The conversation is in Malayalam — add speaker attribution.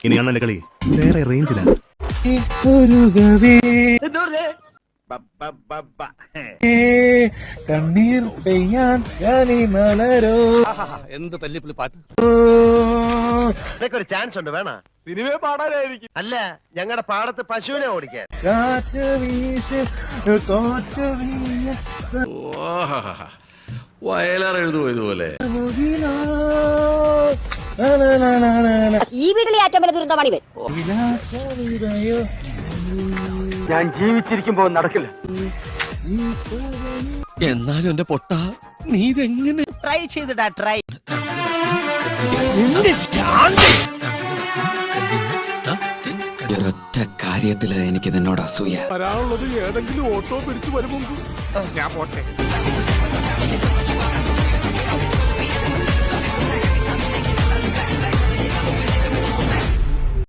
Speaker 1: ഇനിയാണ് എന്റെ കളി വേറെ റേഞ്ചിലാണ്.
Speaker 2: കണ്ണീർ പെയ്യാൻ മലരോ.
Speaker 3: എന്ത് തല്ലിപ്പുള്ളി പാട്ട്.
Speaker 4: ഒരു ചാൻസ് ഉണ്ട് വേണ സിനിമയെ പാടാനായിരിക്കും. അല്ല ഞങ്ങളുടെ പാടത്ത് പശുവിനെ ഓടിക്കാൻ.
Speaker 2: കാറ്റ് വീശ് തോറ്റ് വീഴ
Speaker 5: വയലാർ എഴുതുമോ ഇതുപോലെ?
Speaker 6: ഈ വീട്ടിലെ ഏറ്റവും വലിയ ദുരന്തമാണിവൻ.
Speaker 4: ഞാൻ ജീവിച്ചിരിക്കുമ്പോ നടക്കില്ല.
Speaker 3: എന്നാലും എന്റെ പൊട്ട നീ ഇതെങ്ങനെ
Speaker 7: ട്രൈ ചെയ്തിടാ ട്രൈ.
Speaker 8: ഒരൊറ്റ കാര്യത്തില് എനിക്ക് നിന്നോട് അസൂയ.
Speaker 3: വരാനുള്ളത് ഏതെങ്കിലും ഓട്ടോ പിടിച്ചു വരുമ്പോ ഞാൻ പോട്ടെ.